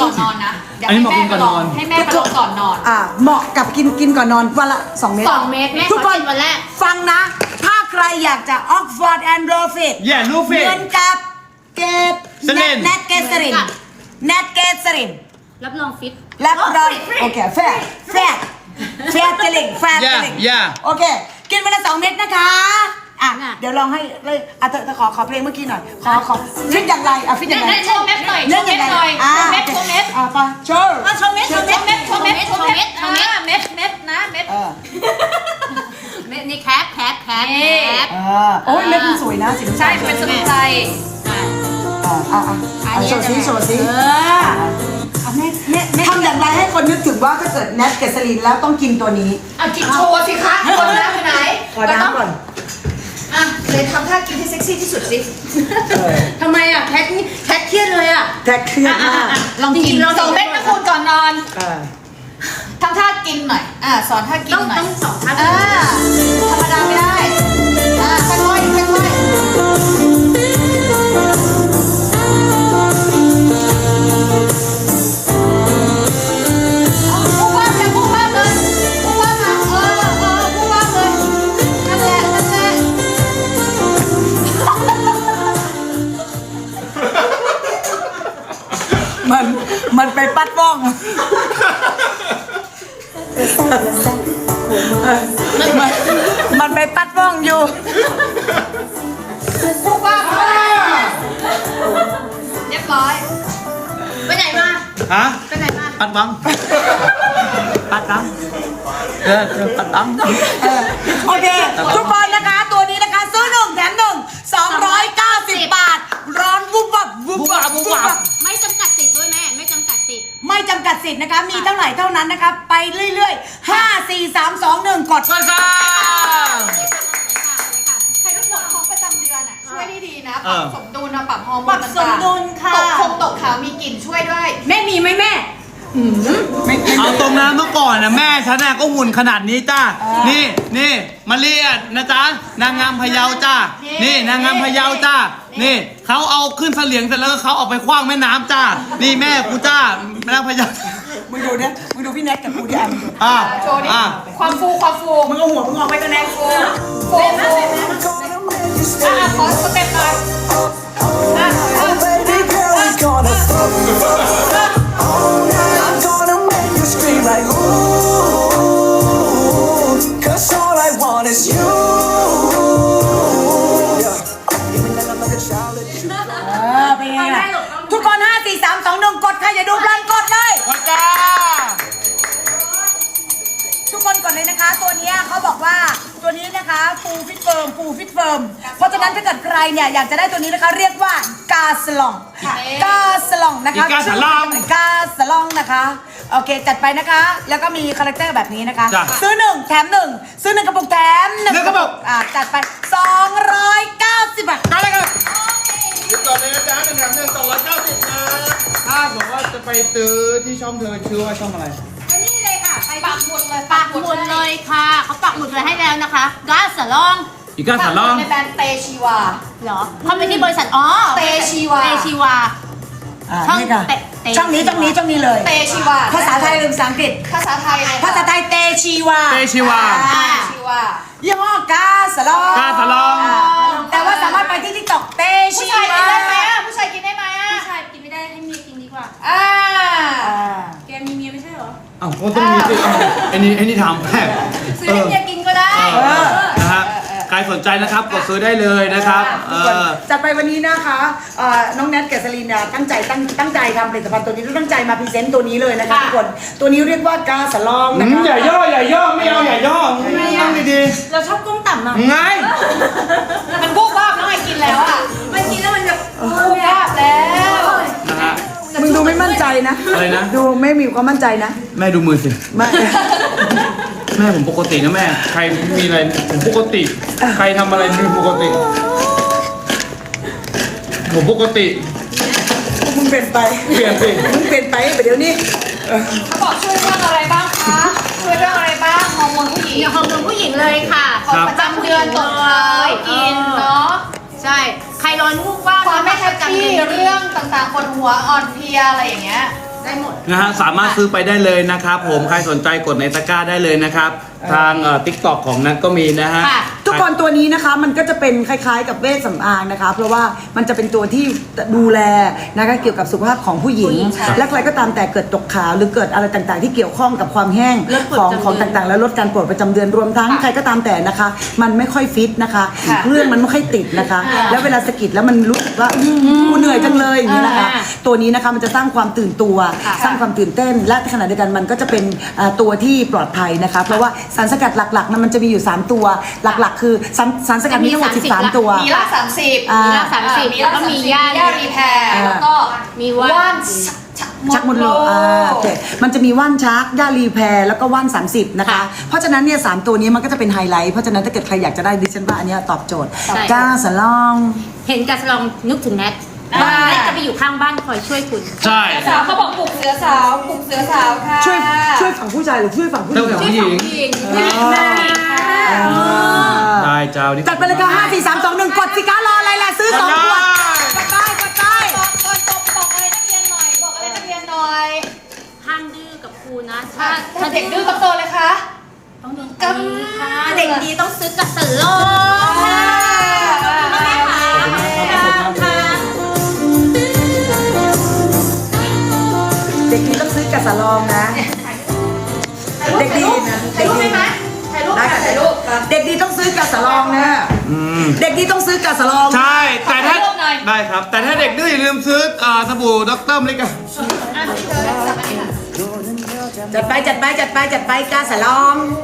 อนนอนนะอันนี้เหมาะกินก่อนนอนให้แม่ไปลองก่อนนอนเหมาะกับกินก่อนนอนวันละ2 เม็ด 2 เม็ดแม่ทุกคนวันแรกฟังนะ ถ้าใครอยากจะออกฟอร์ดแอนด์โรฟิต Yeah, Lufit เหมือนกับเกตสลินแนทเกสรินแนทเกสรินรับรองฟิตรับรองโอเคแฟร์เจลิงแฟร์เจลิง Yeah โอเค กินวันละ2 เม็ดนะคะอ่ะน่ะเดี๋ยวลองให้เลยเธอขอเพลงเมื่อกี้หน่อยขอฟิตอย่างไรฟิตอย่างไรได้โชว์เม็ดหน่อยเล่นอย่างไรโชว์เม็ดหน่อยไปโชว์โชว์เม็ดเม็ดนะเม็ดเม็ดนี่แคปโอ้ยเม็ดมันสวยนะสีน้ำตาลใช่เป็นสมุนไพรโชว์ซิทำอย่างไรให้คนนึกถึงว่าถ้าเกิดแนทเกสลินแล้วต้องกินตัวนี้กินโชว์สิคะคนน้ำไปไหนขอน้ำก่อนเลยทำท่ากินที่เซ็กซี่ที่สุดสิทำไมแคทเครียดเลยแท็กเครียดมากลองกิน2 เม็ดนะคุณก่อนนอนทำท่ากินหน่อยสอนท่ากินหน่อยต้องสอนท่าธรรมดาไม่ได้ค่อยพูดว่าเลยพูดว่ามาพูดว่าเลยนั่นแหละมันไปปัดป้องมันไปปัดป้องอยู่พูดว่าเรียบร้อยไปไหนมาฮะไปไหนมาปัดบังปัดบังปัดบังโอเค ทุกคนนะคะ ตัวนี้นะคะซื้อ1 แถม 1 290 บาท ร้อนวุบวับไม่จำกัดสิทธิ์ด้วยแม่ไม่จำกัดสิทธิ์ไม่จำกัดสิทธิ์นะคะ มีเท่าไหร่เท่านั้นนะคะ ไปเรื่อยๆ 5 4 3 2 1 กดมาค่ะใครทุกคนท้องประจำเดือนช่วยได้ดีนะเอปรัอบสมดุลปรับฮอร์โมนปรับสมดุลค่ะตกขาวมีกลิ่นช่วยด้วยแม่มีไหมแม่เอาตรงน้ำเมื่อก่อนนะแม่ฉันน่ะก็หุ่นขนาดนี้จ้านี่มาเรียนนะจ๊ะนางงามพะเยาจ้านี่นางงามพะเยาจ้านี่เขาเอาขึ้นเสลียงเสร็จแล้วเขาเอาไปคว้างแม่น้ำจ้านี่แม่กูจ้าแม่นางพะเยามึงดูเนี่ยมึงดูพี่แน็กกับกูดิมึงดูโชว์ดิความฟูมึงเอาหัวมึงออกไปกันแน็กฟูขอสเต็ปหน่อย Baby girl is gonna fuck me up. I'm gonna make you scream like ooh, 'cause all I want is you. Yeah. Give me that like a child that you เป็นไงล่ะทุกคน 5 4 3 2 1 กดค่ะอย่าดูเพลินกดเลยมาจ้าทุกคนกดเลยนะคะ ตัวนี้เขาบอกว่าตัวนี้นะคะฟูฟิตเฟิร์มเพราะฉะนั้นถ้าเกิดใครเนี่ยอยากจะได้ตัวนี้นะคะเรียกว่ากาสลองนะคะกาสลองนะคะโอเคจัดไปนะคะ แล้วก็มีคาแรคเตอร์แบบนี้นะคะ ซื้อ1 แถม 1 ซื้อ1 กระปุกแถม1 กระปุกจัดไป290 บาทก็เลยครับหยุดก่อนเลยนะจ๊ะ1 แถม 1 290นะถ้าบอกว่าจะไปซื้อที่ช่องเธอชื่อว่าช่องอะไรนี่เลยค่ะปักหมุดเลยค่ะเขาปักหมุดเลยให้แล้วนะคะกาสลองอีกาสาลองในแบรนด์เตชีวาเหรอเขาไปที่บริษัทเตชีวานี่ค่ะช่องนี้เลยเตชีวาภาษาไทยหรือภาษาอังกฤษภาษาไทยภาษาไทยเตชีวาชีวายี่ห้อกาสลองกาสาลองแต่ว่าสามารถไปที่TikTokเตผู้ชีชายกิวานได้ไหมผู้ชายกินได้ไหมผู้ชายกินไม่ได้ให้เมียกินดีกว่า แกมีเมียไม่ใช่เหรออ้าวก็ต้องมีสิไอ้นี่ถามแม่ซื้อให้เมียกินก็ได้นะฮะใครสนใจนะครับกดซื้อได้เลยนะครับจัดไปวันนี้นะคะน้องแนทเกษรินเนี่ยตั้งใจทำผลิตภัณฑ์ตัวนี้ตั้งใจมาพรีเซนต์ตัวนี้เลยนะคะทุกคนตัวนี้เรียกว่ากาสลองนะคะอย่าย่อไม่เอาอย่าย่อนั่งดีเราชอบก้มต่ำอ่ะๆไงมันบูบบ้าน้องไอ้กินแล้วมันกินแล้วมันแบบบูบบ้าแล้วนะฮะมึงดูไม่มั่นใจนะอะไรนะดูไม่มีความมั่นใจนะแม่ดูมือสิไม่แม่ผมปกตินะแม่ใครมีอะไรผมปกติใครทำอะไรเป็นปกติผมปกติมึงเปลี่ยนไปเปลี่ยนสิมึงเปลี่ยนไปเดี๋ยวนี้เขาบอกช่วยเรื่องอะไรบ้างคะช่วยเรื่องอะไรบ้างฮอร์โมนผู้หญิงอย่างฮอร์โมนผู้หญิงเลยค่ะของประจำเดือนตกขาวกินเนาะใช่ ใครร้อนวูบว่าบความไม่แฮปปี้เรื่องต่างๆปวดหัวอ่อนเพลียอะไรอย่างเงี้ยได้หมดนะฮะสามารถซื้อไปได้เลยนะครับผมใครสนใจกดในตะกร้าได้เลยนะครับทางTikTok ของนัทก็มีนะฮะค่ะทุกคนตัวนี้นะคะมันก็จะเป็นคล้ายๆ กับเวชสำอางนะคะ เพราะว่ามันจะเป็นตัวที่ดูแลนะคะเกี่ยวกับสุขภาพของผู้หญิง และใครก็ตามแต่เกิดตกขาวหรือเกิดอะไรต่างๆ ที่เกี่ยวข้องกับความแห้งของต่างๆ และลดการปวดประจำเดือนรวมทั้งใครก็ตามแต่นะคะ มันไม่ค่อยฟิตนะคะ เรื่องมันไม่ค่อยติดนะคะ แล้วเวลาสะกิดแล้วมันรู้สึกว่ากูเหนื่อยจังเลยอย่างนี้นะคะ ตัวนี้นะคะมันจะสร้างความตื่นตัว สร้างความตื่นเต้น และขณะเดียวกันมันก็จะเป็นตัวที่ปลอดภัยนะคะ เพราะว่าสารสกัดหลักๆนั้นมันจะมีอยู่ 3 ตัวหลักๆ คือสารสกัดมีทั้งหมด13 ตัวมีละ30 อ่ามีละ30 มีแล้วละก็ 30 มีมีย่าย่ารีแพร์แล้วก็มีว่านว่านชักมดลูกโอเคมันจะมีว่านชักย่ารีแพรแล้วก็ว่าน30นะคะ เพราะฉะนั้นเนี่ย3ตัวนี้มันก็จะเป็นไฮไลท์เพราะฉะนั้นถ้าเกิดใครอยากจะได้ดิฉันว่าอันเนี้ยตอบโจทย์ใช่ก้าสลองเห็นกาสลองนึกถึงแนทแนทจะไปอยู่ข้างบ้านคอยช่วยคุณใช่สาวเขาบอกปลุกเสือสาวปลุกเสือสาวค่ะช่วยฝั่งผู้ชายหรือช่วยฝั่งผู้หญิงช่วยฝั่งผู้หญิง ได้เจ้านี่จัดไปเลยค่ะ5 4 3 2 1กดสิคะรออะไรล่ะซื้อ2ขวดกดได้กดได้ก่อนจบบอกอะไรนักเรียนหน่อยบอกอะไรนักเรียนหน่อยห้ามดื้อกับครูนะถ้าเด็กดื้อต้องโตเลยค่ะต้องโดนตีค่ะเด็กดีต้องซื้อกาสลองค่ะค่ะเด็กดีต้องซื้อกับสลองนะเด็กดีนะเด็กดีถ่ายรูปค่ะถ่ายรูปเด็กดีต้องซื้อกับสลองนะเด็กดีต้องซื้อกับสลองใช่แต่ถ้าขอรูปหน่อยได้ครับ แต่ถ้าเด็กดื้ออย่าลืมซื้อสบู่ด็อกเตอร์มลิกาจัดไปจัดไปจัดไปจัดไปกาสลอง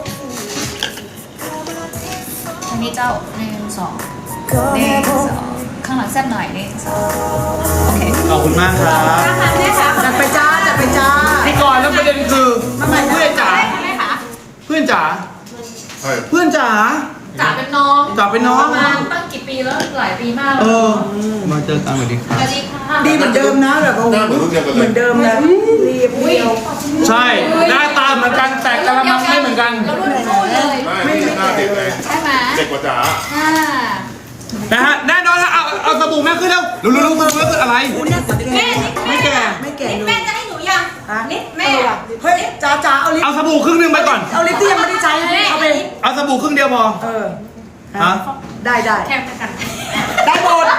อันนี้เจ้า1 2 1 2ข้างหลังแซ่บหน่อย1 2โอเคขอบคุณมากครับจัดไปจ้าจัดไปจ้าพี่ก่อนแล้วประเด็นคือเพื่อนจ๋าแม่คะเพื่อนจ๋าเพื่อนจ๋าจ๋าเป็นน้องจ๋าเป็นน้องประมาณตั้งกี่ปีแล้วหลายปีมากเออมาเจอกันสวัสดีครับสวัสดีค่ะดีเหมือนเดิมนะแบบโอ้โหเหมือนเดิมนะเรียบเรียวใช่หน้าตาเหมือนกันแต่กระมังไม่เหมือนกันเรารุ่นคู่เลยไม่หน้าเด็กเลยใช่ไหมเด็กกว่าจ๋าอ่านะฮะแน่นอนฮะเอาสบู่แม่ขึ้นแล้วรู้สบู่แม่ขึ้นอะไร ไม่แก่ไม่แก่เลยแม่จะให้หนูยังฮะนิดแม่เฮ้ยจ้าจ้าเอาลิปเอาสบู่ครึ่งหนึงไปก่อนเอาลิปที่ยังไม่ได้ใช้เอาไปเอาสบู่ครึ่งเดียวพอเออฮะได้ได้แค่กันได้หมด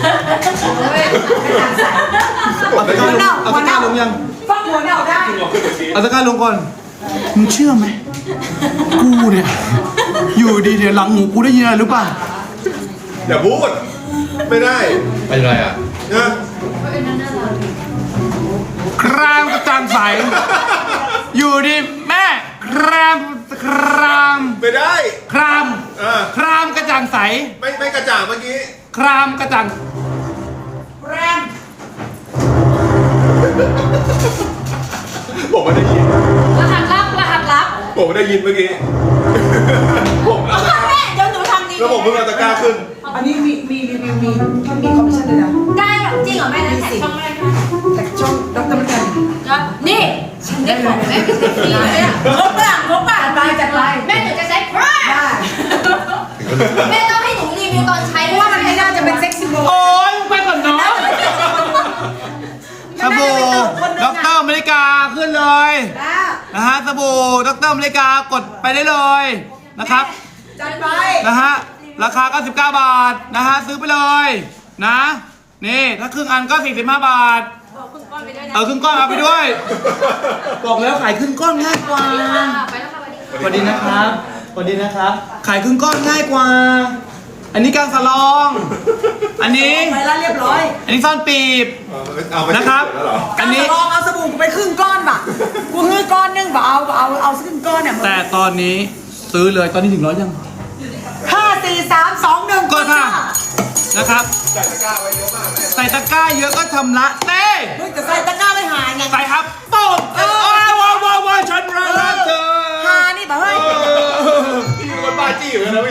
เอาตะกร้าลงเอาตะกร้าลงยังฟักหัวเน่าได้เอาตะกร้าลงก่อนมึงเชื่อไหมกูเนี่ยอยู่ดีเดี๋ยวหลังหูกูได้ยินอะไรรู้ป่ะอย่าพูด ไม่ได้เป็นไรอ่ะนะครามกระจ่างใสอยู่ดีแม่ครามไม่ได้คราม ครามกระจ่างใสไม่กระจ่างเมื่อกี้ครามกระจ่างแรมผมไม่ได้ยินรหัสลับรหัสลับผมไม่ได้ยินเมื่อกี้ ผมเอาตะกร้าแม่เดี๋ยวหนูทำดีแล้วผมเพิ่งเอาตะกร้าขึ้นอันนี้มีรีวิวมีคอมมิชชั่นด้วยนะได้เหรอจริงเหรอแม่นั้นแท็กช่องแม่ค่ะแต่ช่องดรมันกันนี่ฉันได้ของแม่เป็นฟรีเลยอะงบป่ะงบป่ะจัดไปจัดไปแม่หนูจะใช้พระได้แม่ต้องให้หนูรีวิวตอนใช้เพราะว่ามันไม่น่าจะเป็นเซ็กซี่โบโอ้ยมึงไปก่อนเนาะสบู่ด็อกเตอร์อเมริกาขึ้นเลยนะฮะสบู่ด็อกเตอร์อเมริกากดไปได้เลยนะครับจัดไปนะฮะราคา99 บาทนะฮะซื้อไปเลยนะนี่ถ้าครึ่งอันก็45 บาทเอาครึ่งก้อนเอาไปด้วย บอกแล้วขายครึ่งก้อนง่ายกว่าไปแล้วค่ะวันนี้สวัสดีนะครับสวัสดีนะครับขายครึ่งก้อนง่ายกว่า อันนี้กางสลอง อันนี้ไปแล้วเรียบร้อยอันนี้ซ่อนปีบเอาไปนะครับแล้วเหรออันนี้ลองเอาสบู่กูไปครึ่งก้อนบ่ะกูฮื้อก้อนนึงบ่ะเอาครึ่งก้อนเนี่ยแต่ตอนนี้ซื้อเลยตอนนี้ถึง100ยัง 5 4 3 2 1 กดค่ะนะครับใส่ตะกร้าไว้เยอะมากแม่ใส่ตะกร้าเยอะก็ชำระเต้เฮ้ยแต่ใส่ตะกร้าไม่หายไงใส่ครับปุ๊บว้าวฉันรักเธอหานี่บ่ะเฮ้ยพี่เป็นคนบ้าจี้อยู่แล้วนะพี่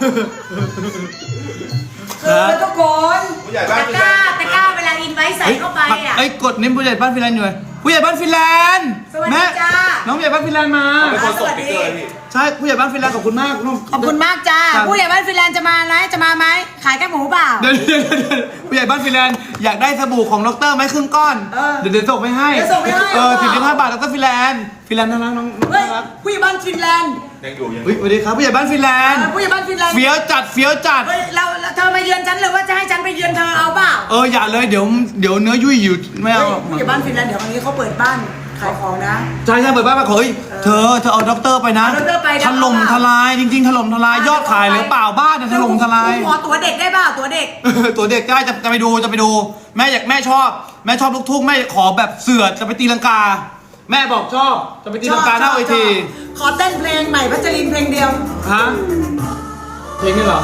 คือทุกคนผู้ใหญ่บ้านตะกร้าตะกร้าเวลาอินไว้ใส่เข้าไปอ่ะเอ้ยกดนิ้มผู้ใหญ่บ้านฟินแลนด์อยู่เลยผู้ใหญ่บ้านฟินแลนด์สวัสดีแม่จ้าน้องผู้ใหญ่บ้านฟินแลนด์มาเป็นคนส่งสติ๊กเกอร์พี่ใช่ผู้ใหญ่บ้านฟินแลนด์ขอบคุณมากขอบคุณมากจ้าครับผู้ใหญ่บ้านฟินแลนด์จะมาไหมจะมาไหมขายแค่หมูเปล่าเดี๋ยวผู้ใหญ่บ้านฟินแลนด์อยากได้สบู่ของดรไหมครึ่งก้อน เดี๋ยวส่งไปให้เดี๋ยวส่งไปให้ 45 บาทดรฟินแลนด์น่ารักน้องเฮ้ยน่ารักผู้ใหญ่บ้านฟินแลนด์ยังอยู่ยังอเฮ้ยยู่สวัสดีครับผู้ใหญ่บ้านฟินแลนด์ผู้ใหญ่บ้านฟินแลนด์เฟี้ยวจัดเฮ้ยเราเธอมาเยือนฉันหรือว่าจะให้ฉันไปเยือนเธอเอาเปล่าอย่าเลยเดี๋ยวเนื้อยุ่ยอยู่ไม่เอาเฮ้ยผู้ใหญ่บ้านฟินแลนด์เดี๋ยววันนี้เขาเปิดบ้านขายของนะใช่เปิดบ้านมาเฮ้ยเธอเอาด็อกเตอร์ไปนะเอาด็อกเตอร์ไปนะถล่มทลายจริงๆถล่มทลายยอดขายหรือเปล่าบ้านเนี่ยถล่มทลายขอตัวเด็กได้เปล่าตัวเด็กตัวเด็กได้จะไปดูแม่ชอบลูกทุ่งแม่ขอแบบเสือจะไปตีลังกา แม่บอกชอบจะไปตีลังกาหน้าเวทีขอเต้นเพลงใหม่พัชรินเพลงเดียวฮะเพลงนี้เหรอ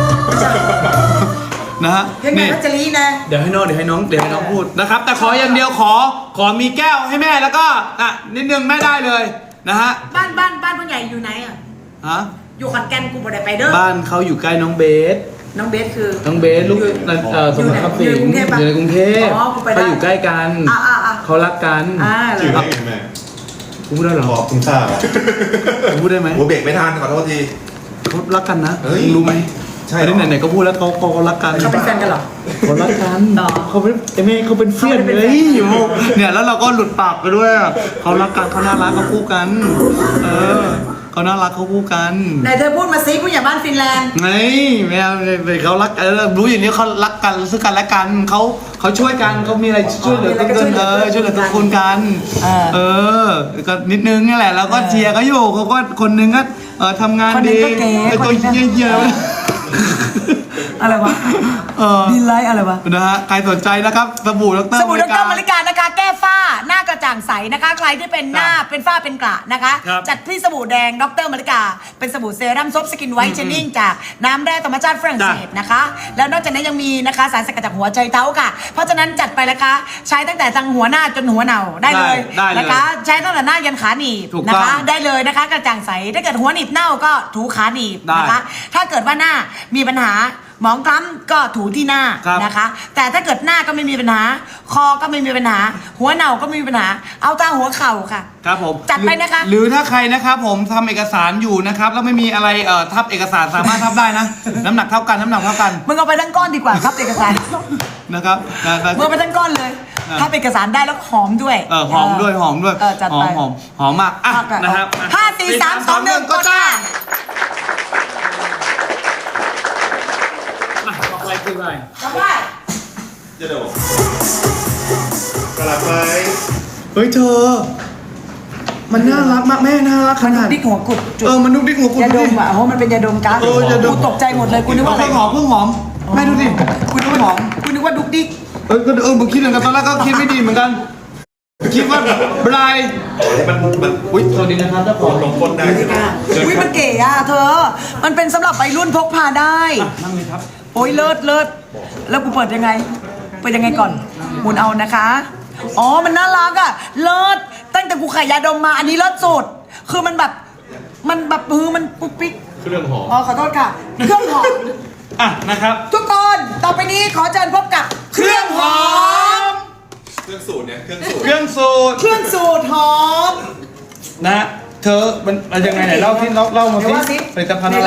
นะฮะเพลงใหม่พัชรีนะเดี๋ยวให้น้องพูดนะครับแต่ขออย่างเดียวขอมีแก้วให้แม่แล้วก็นิดนึงแม่ได้เลยนะฮะบ้านผู้ใหญ่อยู่ไหนอ่ะฮะอยู่ขอนแก่นกูบ่ได้ไปเด้อบ้านเขาอยู่ใกล้น้องเบสน้องเบสคือน้องเบสลูกสมรครับสิงห์อยู่ในกรุงเทพอ๋อกูไปได้เขาอยู่ใกล้กันอ่ะเขารักกันเหรชื่ออได้ไงแม่กูพูดได้เหรอขอบคุณค่ะกูพูดได้ไหมหัวเบรกไม่ทันขอโทษทีเขารักกันนะเฮ้ยมึงรู้ไหมใช่เหรออันนี้ไหนๆก็พูดแล้วเขารักกันเขาเป็นแฟนกันเหรอเขารักกันหรอเขาเป็นเขาเป็นเพื่อนเขาเป็นเลแฟนยเนี่ยแล้วเราก็หลุดปากไปด้วยเขารักกันเขาน่ารักเขาคู่กันเขาน่ารักเขาคู่กันไหนเธอพูดมาซิผู้ใหญ่บ้านฟินแลนด์ไงไม่เอาเขารักรู้อย่างนี้เขารักกันซึ่งกันและกันเขาช่วยกันเขามีอะไรช่วยเหลือกันช่วยเหลือทุกคนกันก็นิดนึงนี่แหละแล้วก็เชียร์เขาอยู่เขาก็คนนึงก็ทำงานดีไอ้ตัวเยี่ยๆอะไรวะดีไลท์อะไรวะนะฮะใครสนใจนะครับสบู่ดรสบู่ดรมาริกานะคะแก้ฝ้าหน้ากระจ่างใสนะคะใครที่เป็นหน้าเป็นฝ้าเป็นกระนะคะครับจัดที่สบู่แดงดรมาริกาเป็นสบู่เซรั่มซอฟต์สกินไวท์เชนนิ่งจากน้ำแร่ธรรมชาติฝรั่งเศสนะคะแล้วนอกจากนั้นยังมีนะคะสารสกัดจากหัวไชเท้าค่ะ เพราะฉะนั้นจัดไปนะคะใช้ตั้งแต่ทางหัวหน้าจนหัวเน่าได้เลยนะคะใช้ตั้งแต่หน้ายันขาหนีบนะคะได้เลยนะคะกระจ่างใสถ้าเกิดหัวหนีบเน่าก็ถูขาหนีบนะคะถ้าเกิดว่าหน้ามีปัญหาหมองคล้ำก็ถูที่หน้านะคะแต่ถ้าเกิดหน้าก็ไม่มีปัญหาคอก็ไม่มีปัญหาหัวเน่าก็ไม่มีปัญหาเอาตาหัวเข่าค่ะครับผมจัดไปนะคะหรือถ้าใครนะครับผมทำเอกสารอยู่นะครับแล้วไม่มีอะไรทับเอกสารสามารถทับได้นะ น้ำหนักเท่ากันมึงเอาไปทั้งก้อนดีกว่าครับเอกสารนะครับมึงเอาไปทั้งก้อนเลยถ้าเอกสารได้แล้วหอมด้วยหอมด้วยจัดไปหอมมากอ่ะนะครับ 5 4 3 2 1ก็จ้าอะไรคืออะไรทำได้จะโดดกลับไปเฮ้ยเธอ มันน่ารักมากแม่น่ารักขนาดดิ๊กหัวกุดจุดมันนุกดิ๊กหัวกุดยาดมอ่ะโอ้มันเป็นยาดมก๊าซยาดมกูตกใจหมดเลยกูนึกว่าอะไรเพิ่งหอมแม่ดูดิคุณนึกว่าหอมกูนึกว่าดุกดิ๊กมึงคิดเหมือนกันตอนแรกก็คิดไม่ดีเหมือนกันคิดว่าบรายมันอุ้ยสวัสดีนะครับเจ้าของลงคนได้ใช่ไหมอุ้ยมันเก๋อ่ะเธอ มันเป็นสำหรับวัยรุ่นพกพาได้นั่งเลยครับโอ้ยเลิศแล้วกูเปิดยังไงก่อนหมุนเอานะคะอ๋อมันน่ารักอ่ะเลิศตั้งแต่กูขายยาดมมาอันนี้เลิศสุดคือมันแบบมันปุ๊กปิ๊กเครื่องหอมอ๋อขอโทษค่ะเครื่องหอมนะครับทุกคนต่อไปนี้ขอเชิญพบกับเครื่องหอมเครื่องสูตรเนี่ยเครื่องสูตรเครื่องสูตรเครื่องสูตรหอมนะฮะเธอมันยังไงไหนเล่าที่เล่ามาเดี๋ยวว่าสิผลิตภัณฑ์อะไร